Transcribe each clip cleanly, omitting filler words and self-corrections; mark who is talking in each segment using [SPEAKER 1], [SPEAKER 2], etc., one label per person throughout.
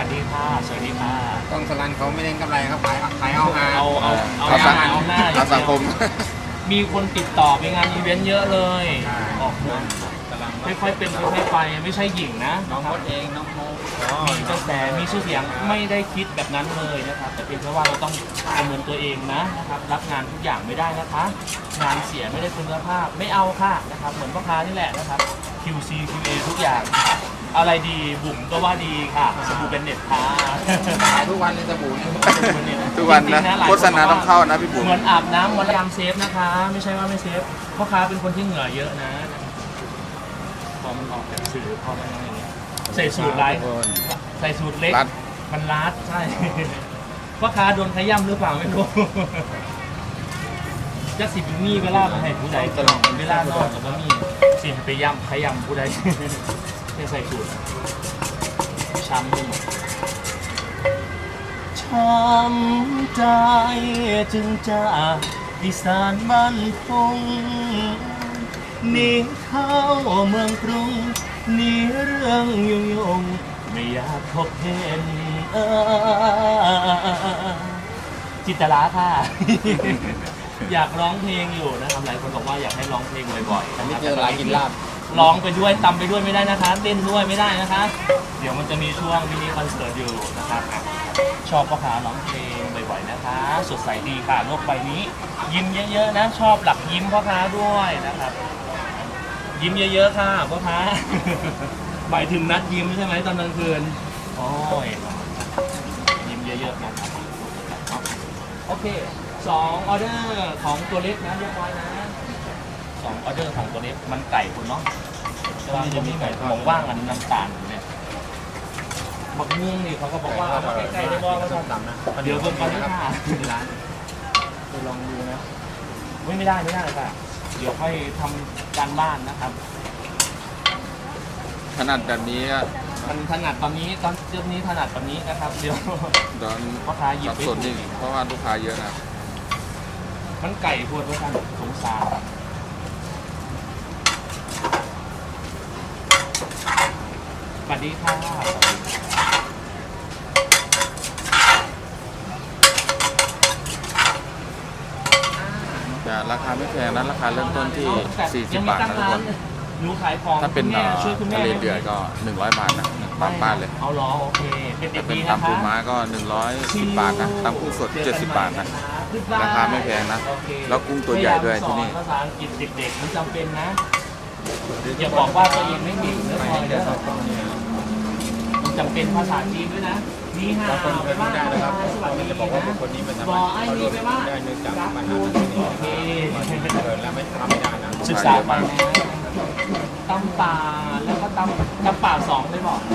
[SPEAKER 1] สดีค่ะสวัสดีค่ะ
[SPEAKER 2] กล้องสลันเขาไม่เน้นกำไรครับขายเอาหา
[SPEAKER 1] เอาเอาหน้า
[SPEAKER 3] เอาสังคม
[SPEAKER 1] มีคนติดต่อไปงานอีเวนต์เยอะเลยออกมาค่อยๆเป็นค่อยๆไปไม่ใช่หญิงนะ
[SPEAKER 2] น้องมดเองน้องโม
[SPEAKER 1] มีกระแสมีชื่อเสียงไม่ได้คิดแบบนั้นเลยนะครับแต่เป็นเพราะว่าเราต้องประเมินตัวเองนะครับรับงานทุกอย่างไม่ได้นะคะงานเสียไม่ได้คุณภาพไม่เอาค่ะนะครับเหมือนพ่อค้านี่แหละนะครับ QC QA ทุกอย่างอะไรดีบุ๋มก็ว่าดีค่ะสบู่เป็นเน็ตค่ะ
[SPEAKER 2] ขายทุกวันเลยสบู่เนี่ย
[SPEAKER 3] ทุกวันนะโฆษณาต้องเข้านะพี่บุ๋ม
[SPEAKER 1] เหมือนอาบน้ำวันละยามเซฟนะคะไม่ใช่ว่าไม่เซฟพ่อค้าเป็นคนที่เหงื่อเยอะนะพอมันออกจากสื่อพอมันอะไรอย่างเงี้ยใส่สูตรไรใส่สูตรเล็กมันรัดใช่พ่อค้าโดนขย้ำหรือเปล่าไม่รู้จะสิบมีเวลามาให้ผู้ใดตลอดเวลานอกกับว่ามีสิไปย่ำขย้ำผู้ใดไม่ใส่สูตรช้ำไปหมดช้ำใจจึงจะดิสานบ้านพงหนีเข้าเมืองกรุงหนีเรื่องยุ่งไม่อยากพบเห็นจิตรลาค่ะ อยากร้องเพลงอยู่นะครับหลายคนบอกว่าอยากให้ร้องเพลงบ่อยๆ
[SPEAKER 2] อันนี้เจอหลายกินลาบ
[SPEAKER 1] ร้องไปด้วยตำไปด้วยไม่ได้นะคะเต้นด้วยไม่ได้นะคะเดี๋ยวมันจะมีช่วงมินิคอนเสิร์ตอยู่นะครับชอบพ่อค้าร้องเพลงบ่อยๆนะคะสดใสดีค่ะโลกใบนี้ยิ้มเยอะๆนะชอบหลับยิ้มพ่อค้าด้วยนะครับยิ้มเยอะๆค่ะพ่อค้าหมายถึงนัดยิ้มใช่ไหมตอนกลางคืนโอ้ยยิ้มเยอะๆนะครับโอเค2 ออเดอร์ของตัวเล็กนะเรียบร้อยนะ2 ออเดอร์ของตัวเล็กมันไก่คุณเนาะว่าจะมีไก่มองว่างอันน้ำตาลเนี่ยบักม่วงนี่เขาก็บอกว่าเอาใกล้ๆได้บ้างก็ต้องดำนะเดี๋ยวเพิ่มก่อนนะค่ะร้านไปลองดูนะไม่ได้เลยค่ะเดี๋ยวค่อยทำการบ้านนะครับ
[SPEAKER 3] ถนัดแบบนี้
[SPEAKER 1] มันถนัดตอนนี้ตอนเรื่องนี้ถนัดตอนนี้นะครับเดี๋ยวพ่อค้าหยิบไป
[SPEAKER 3] สดจริงเพราะว่าลูกค้าเยอะนะ
[SPEAKER 1] มันไก่พวดว่าท่านสงสารสวัสดีค่ะ
[SPEAKER 3] จะราคาไม่แพงนะราคาเริ่มต้นที่40 บาทนะทุกคน
[SPEAKER 1] หนูขายของ
[SPEAKER 3] ถ้าเป็นทะเลเดือดก็100 บาทนะบ้านเลย
[SPEAKER 1] เอาล้อโอเคเป็นเด็กดี
[SPEAKER 3] นะคะตำปูม้าก็110 บาทนะตำกุ้งสด70 บาทนะราคาไม่แพงนะแล้วกุ้งตัวใหญ่ด้วยที่นี่
[SPEAKER 1] ภาษาอังกฤษเด็กๆมันจำเป็นนะอย่าบอกว่าตัวเองไม่เก่งนะพอเดี๋ยวมันจำเป็นภาษาจีนด้วยนะนี่ฮะไปบ้านนะครับสวัสดีนะบอกไอ้นี่ไปว่า
[SPEAKER 2] ได้เนื่องจากปัญหาที่นี่เกิดแล้วไม่ทำไม่ได้นะ
[SPEAKER 1] ศึกษาไปตำป่าแล้วก็ตำป่า2ได้บอก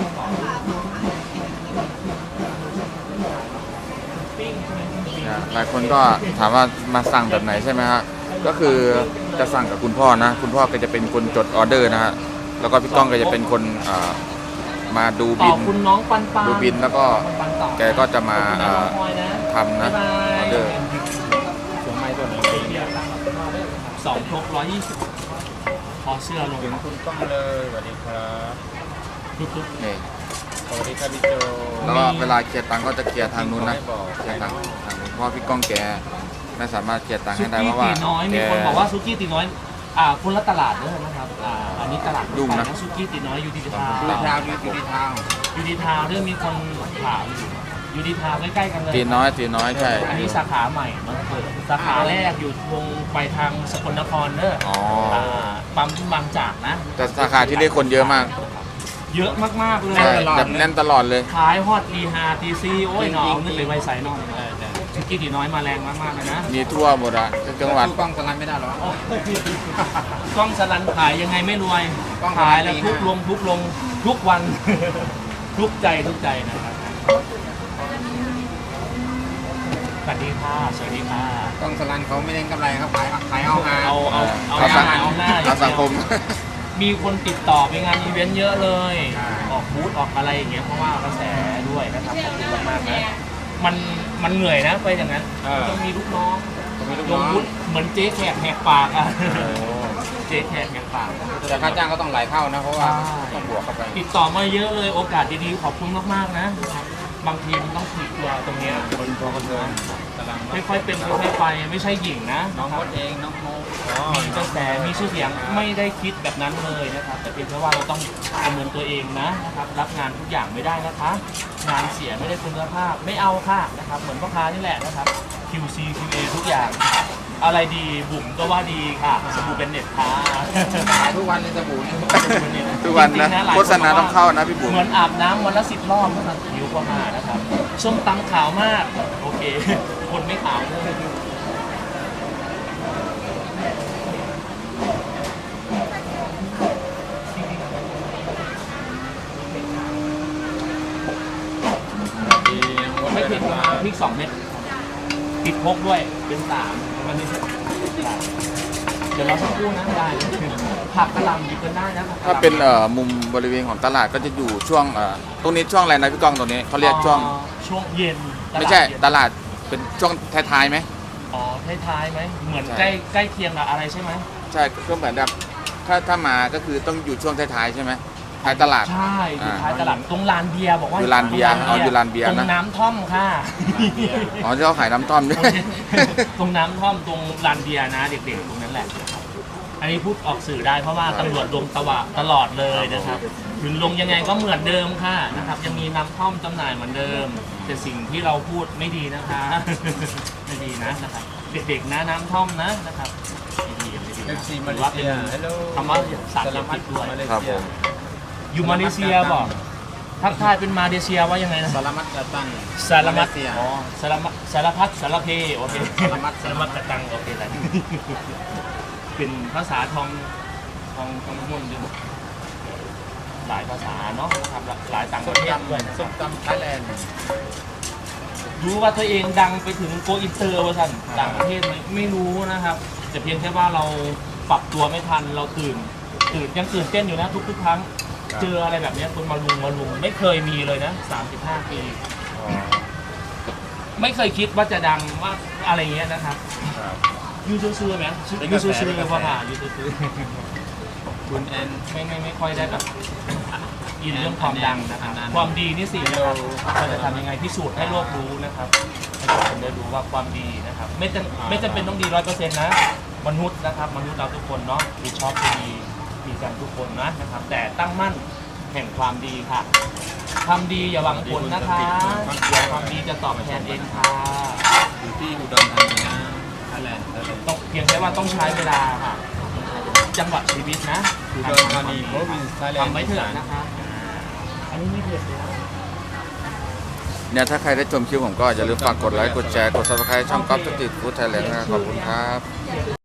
[SPEAKER 3] หลายคนก็ถามว่ามาสั่งแบบไหนใช่ไหมฮะก็คือจะสั่งกับคุณพ่อนะคุณพ่อก็จะเป็นคนจดออเดอร์นะฮะแล้วก็พี่ก้องก็จะเป็นคนมาดูบินดูบินแล้วก็แกก็จะมาทำนะออเดอร์
[SPEAKER 2] เสียงไม้ตัวไหน
[SPEAKER 1] 2 ครบ 120พอเสื้อลง
[SPEAKER 2] คุณก้องเลยสวัสดีครับ
[SPEAKER 3] นี่
[SPEAKER 2] สวัสดีครับพี่โจ
[SPEAKER 3] แล้วก็เวลาเคลียร์ตังค์ก็จะเคลียร์ทางนู้นนะเคลียร์ทางนู้นเพราะพี่ก้องแกไม่สามารถเคลียร์ตังค์ให้ได้เพราะว่า
[SPEAKER 1] มีคนบอกว่าซุกี้ตีน้อยคนละตลาดเด้อนะครับอันนี้ตลาด
[SPEAKER 3] ดุนะ
[SPEAKER 1] ซุกี้ตีน้อยยูดีทาวยูดีทาวเรื่องมีคนถามอยู่ยูดีทาวใกล้ๆกันเลย
[SPEAKER 3] ตีน้อยใช่
[SPEAKER 1] อันนี้สาขาใหม่มันเปิดสาขาแรกอยู่ตรงไปทางสกลนครเด้อปั๊มบางจากนะ
[SPEAKER 3] แต่สาขาที่ได้คนเยอะมาก
[SPEAKER 1] เยอะมากๆเลย
[SPEAKER 3] แบบแน่นตลอดเลย
[SPEAKER 1] ขายฮอตตี5 ตี 4โอ้ยน้องนึกเลยไวใส่น้องซุกี้ตีน้อยมาแรงมากๆเลยนะ
[SPEAKER 3] มีทั่วหมดอะจังหวัด
[SPEAKER 2] กล้องสลันไม่ได้หรอก
[SPEAKER 1] ล้องสลันขายยังไงไม่รวยขายแล้วทุกลงทุกวันทุกใจนะครับสวัสดีค่ะสวัสดีค่ะ
[SPEAKER 2] กล้องสลันเขาไม่เน้นกำไรครับขายเอาหา
[SPEAKER 3] เอาสังคม
[SPEAKER 1] มีคนติดต่อไปงานอีเวนต์เยอะเลยออกบูธออกอะไรอย่างเงี้ยเพราะว่ากระแสด้วยนะครับขอบคุณมากๆนะมันเหนื่อยนะไปอย่างนั้นต้องมีลูกน้องลงบูธเหมือนเจ๊แขกแหกปากอ่ะเจ๊แขกแหกปาก
[SPEAKER 2] แต่ค่าจ้างก็ต้องหลายเท่านะเพราะว่าต้องบวกเข้าไป
[SPEAKER 1] ติดต่อมาเยอะเลยโอกาสดีๆขอบคุณมากๆนะบางทีมันต้องถีบตัวตรงเนี้ย
[SPEAKER 2] คนพอคนเดินกำลัง
[SPEAKER 1] ค่อยๆเป็นค่อยๆไปไม่ใช่หญิงนะ
[SPEAKER 2] น้อง
[SPEAKER 1] ค
[SPEAKER 2] ม
[SPEAKER 1] รับ
[SPEAKER 2] ดเองน้องโมอ๋อ
[SPEAKER 1] มีกระแสมีชื่อเสียงไม่ได้คิดแบบนั้นเลยนะครับ แต่เพียงแค่ว่าเราต้องประเมินตัวเองนะครับรับงานทุกอย่างไม่ได้นะคะ งานเสียไม่ได้คุณภาพไม่เอาค่ะนะครับเหมือนพ่อค้านี่แหละนะครับ QC QA ทุกอย่าง อะไรดีบุ๋มก็ว่าดีค่ะสบู่เป็นเน็ตค่ะ
[SPEAKER 2] ขายทุกวันเลยสบู่นี่
[SPEAKER 3] ทุกวัน
[SPEAKER 1] จริ
[SPEAKER 3] นะ
[SPEAKER 1] งๆหลย
[SPEAKER 3] โฆษณาต้องเข้านะพี่บุ๋ม
[SPEAKER 1] เหมือนอาบน้ำวันละ10 รอบนะครับผิวก็มานะครับส้มตำขาวมากโอเค คนไม่ขาวเลย
[SPEAKER 2] ดียังมด
[SPEAKER 1] ไม่
[SPEAKER 2] เดิ
[SPEAKER 1] ผิด
[SPEAKER 2] น
[SPEAKER 1] นะ
[SPEAKER 2] มา
[SPEAKER 1] พริก2 เม็ดติดพกด้วยเป็น3วันนี้เดี๋ยวเราสักครู่นะได้ผักกระหล่ำหยิบกันได้นะผักกะห
[SPEAKER 3] ถ้า
[SPEAKER 1] ล่ำ
[SPEAKER 3] เป็นมุมบริเวณของตลาดก็จะอยู่ช่วงตรงนี้ช่วงอะไรนะพี่ก้องตรงนี้เขาเรียกช่วง
[SPEAKER 1] ช่วงเย็น
[SPEAKER 3] ไม่ใช่
[SPEAKER 1] เย็น
[SPEAKER 3] ตลาดเป็นช่วงท้ายๆไหม
[SPEAKER 1] อ๋อท้ายๆไหมเหมือน
[SPEAKER 3] ใช่
[SPEAKER 1] ใกล้เคียงกับอะไรใช่ไหม
[SPEAKER 3] ใช่ก็เหมือนแบบถ้ามาก็คือต้องอยู่ช่วงท้ายๆใช่ไหมท้ายตลาด
[SPEAKER 1] ใช่อยู่ท้ายตลาดตรงลานเบียร์บอกว่า
[SPEAKER 3] อยู่ลานเบียร์อ๋ออยู่ลานเบียร์นะ
[SPEAKER 1] ตรงน้ำท่อมค่ะ
[SPEAKER 3] อ๋อที่เขาขายน้ำท่อมด้วย
[SPEAKER 1] ตรงน้ำท่อมตรงลานเบียร์นะเด็กๆตรงนั้นแหละ อันนี้พูดออกสื่อได้เพราะว่าตำรวจลงตลอดเลยนะครับถึงลงยังไงก็เหมือนเดิมค่ะนะครับ ยังมีน้ำท่อมจำหน่ายเหมือนเดิม แต่สิ่งที่เราพูดไม่ดีนะคะ ไม่ดีนะครับเด็กๆนะน้ำท่อมนะครับไม่ดีไม่ดี
[SPEAKER 2] เอ
[SPEAKER 1] นะ
[SPEAKER 2] ฟซีมา
[SPEAKER 1] ถื
[SPEAKER 2] เล
[SPEAKER 1] อว่า
[SPEAKER 2] เซี
[SPEAKER 1] เป็น
[SPEAKER 2] ยฮัลโหล
[SPEAKER 1] คำว่าสาร
[SPEAKER 2] สาร
[SPEAKER 1] พั
[SPEAKER 2] พั
[SPEAKER 1] ด
[SPEAKER 2] ด
[SPEAKER 1] ด้วย
[SPEAKER 2] มาเล
[SPEAKER 3] ครับ
[SPEAKER 2] เซี
[SPEAKER 3] ผ
[SPEAKER 2] ย
[SPEAKER 3] ม
[SPEAKER 1] อยู่มาเลเซียบอกทักทายเป็นมาเลเซียว่ายังไงนะ
[SPEAKER 2] สารมัดกระตัง
[SPEAKER 1] สารมัด
[SPEAKER 2] เลเซีย
[SPEAKER 1] อ๋อสารพัดสารเพโอเค
[SPEAKER 2] สารมัด
[SPEAKER 1] สารมัดกระตังโอเคแล้วเป็นภาษาทองมุ่นด้วยหลายภาษาเนาะนะครับหลายต่างป
[SPEAKER 2] ส้
[SPEAKER 1] ระ
[SPEAKER 2] ม
[SPEAKER 1] เทศด้วยนะค
[SPEAKER 2] ตำส้
[SPEAKER 1] รับ
[SPEAKER 2] มตำไทยแลนด์
[SPEAKER 1] รู้ว่าตัวเองดังไปถึงโกอินเตอร์ว่าท่านต่างประเทศไม่รู้นะครับแต่เพียงแค่ว่าเราปรับตัวไม่ทันเราตื่นยังตื่นเต้นอยู่นะทุกครั้ง เจออะไรแบบเนี้ยคนมาลุงไม่เคยมีเลยนะ35 ปี ไม่เคยคิดว่าจะดังว่าอะไรเงี้ยนะครับ
[SPEAKER 2] ครับ
[SPEAKER 1] ยูซื้อไหม
[SPEAKER 2] เป็น
[SPEAKER 1] ยู
[SPEAKER 2] กระแส
[SPEAKER 1] ซื้อ
[SPEAKER 2] เป็นกระแส
[SPEAKER 1] ว่าผ่ายูซื้อ
[SPEAKER 2] คุณแอน
[SPEAKER 1] ไม่ค่อยได้แบบอินเรื่องความดังนะครับความดีนี่สินะครับเราจะทำยังไงพิสูจน์ให้โลกรู้นะครับให้ทุกคนได้รู้ว่าความดีนะครับ ไม่จำเป็นต้องดี100%นะมนุษย์นะครับมนุษย์เราทุกคนเนาะมีชอบมีกันทุกคนนะครับ แต่ตั้งมั่นแห่งความดีค่ะทำดีอย่าหวังผลนะคะเดี๋ยวความดีจะตอบแทนเองค่ะ
[SPEAKER 2] อยู่ที่อุดรธานีนะไทยแลนด์ไทยแลนด์
[SPEAKER 1] ต้องเพียงแค่ว่าต้องใช้เวลาค่ะจังหวะชีวิตนะ
[SPEAKER 2] อุดรธานี province Thailand
[SPEAKER 1] ทำไว้เถอะนะครับอันนี้ไม่เผ็ดเลยนะ
[SPEAKER 3] เนี่ยถ้าใครได้ชมคลิปผมก็อย่าลืมฝากกดไลค์กดแชร์กด subscribe ช่องก๊อฟสตรีทฟู้ดไทยแลนด์นะครับขอบคุณครับ